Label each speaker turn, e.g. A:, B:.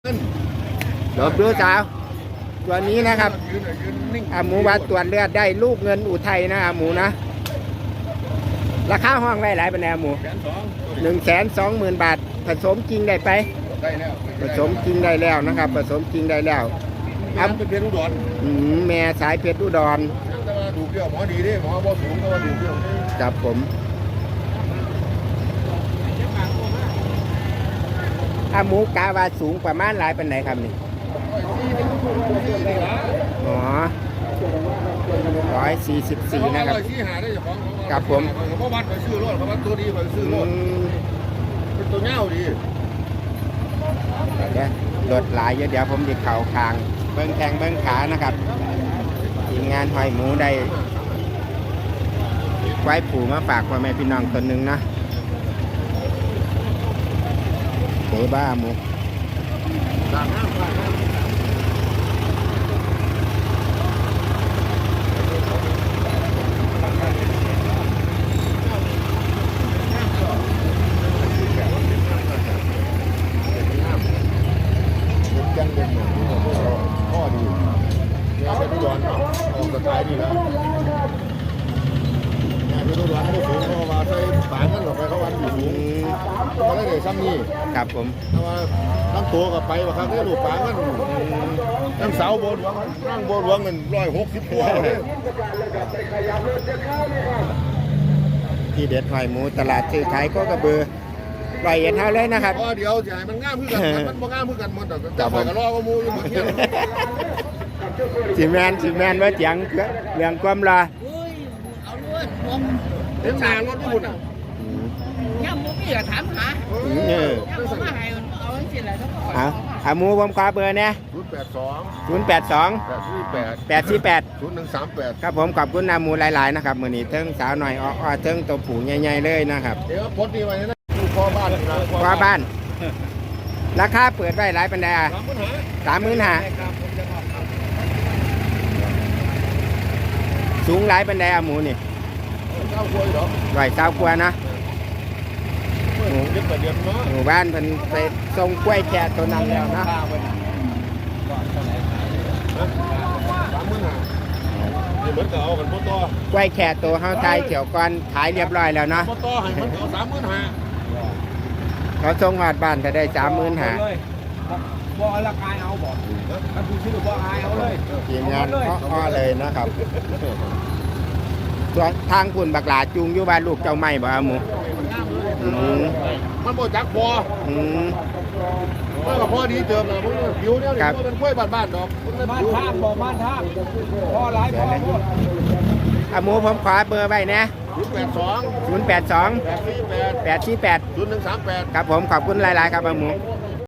A: หลบดูสาวตัวนี้นะครับหมูว่าตรวจเลือดได้ลูกเงินอุทัยนะหมูนะราคาห้องไว้หลายปันแนวหมู120,000 บาทผสมจริงได้ไปผสมจริงได้แล้วนะครับผสมจริงได้แล้ว
B: เป็นเพชรอุดร
A: แม่สายเพชรอุดร
B: ดูเกี่ยวหมอดีดิหมอบ่สูงก็ว่าดูเกี่ยว
A: จับผมหมูกาว่าสูงประมาณหลายปันไหนครับนี่อ๋อ144นะครับกับผม
B: เพราะวัดไปซื้อรถเพราะวัดตัวดีไปซื้อรถเป็นตัวเง่าดี
A: รถหลายเยอะเดี๋ยวผมจะเข่าคางเบิ้งแข้งเบิ้งขานะครับทีมงานหอยหมูได้ไว้ผูมาฝากพ่อแม่พี่น้องคนหนึ่งนะเต๋บ้าหมู
B: ยังเป็นเหมือนพ่อดีเนี่ยเป็นอุดรออกสไตล์ดีแล้วเนี่ยเป็นอุดรไม่ได้สูงเพราะว่าใส่ฝาเงินออกไปเขาวันอยู่สูงก็ได้ซ้ำนี่
A: ครับผม
B: แต่ว่าตั้งตัวกับไปว่าครั้งนี้ลูกฝาเงินตั้งเสาโบนหลวงนั่งโบนหลวงเงิน160ตัวเลย
A: ที่เด็ดหอยหมูตลาดซื้อขายก็กระเบือปล่อยเห็นเท่าเลยนะครับ
B: เดี๋ยวจะให้มันง่ามขึ้นกันมันบ่ง่ามขึ้นกันหมดแต่ฝ่ายก็รอก็มูอยู่เหมือนกัน
A: สิแมนว่าเสียงเรื่องความรอ
B: เห็นนางรถญี่ปุ่นอ่ะ
C: ย่ามูพี่ก็ถามหาย่ามูมาให้เอาสิอะไรทั้งหมด
A: หมูผมขอเบอร์เนี่ย082 848 0138ครับผมขอบคุณหมูหลายๆนะครับมื้อนี้เทิงสาวหน่อยอ้อเทิงตัวผูใหญ่ๆเลยนะครับ
B: เดี๋ยวพดนี่ไว้นะพ่อบ้านนะ
A: พ่อบ้านราคาเปิดไว้หลายปันใด35,000สูงหลายปันใดหมูนี่120 กว่านะหมู่บ้านเพิ่นไปส่งกล้วยแค่ตัวนั้นแล้วนะกล้วยแค่ตัวเฮาไทยเกี่ยวก่อนขายเรียบร้อยแล้วเนาะเขาส่งหอดบ้านจะได้35,000
C: บ่ราคาเอาบ่ถ้าคุณชื่อบ่อายเอาเลย
A: ทีมงานอ้อเลยนะครับตัวทางคุณบักหลาจูงอยู่บ้านลูกเจ้าไม่บ่หมู
B: มันบ่จักพอมันก็พอดีเติมนะมันผิวเนี่ยมันเป็นกล้วยบ้านๆดอก
C: บ้านท่าบ่บ้านท่าพอหลายพอ
A: หมูผมขอเบอร์ไว้นะ
B: 082
A: 848 0138ครับผมขอบคุณหลายๆครับหมู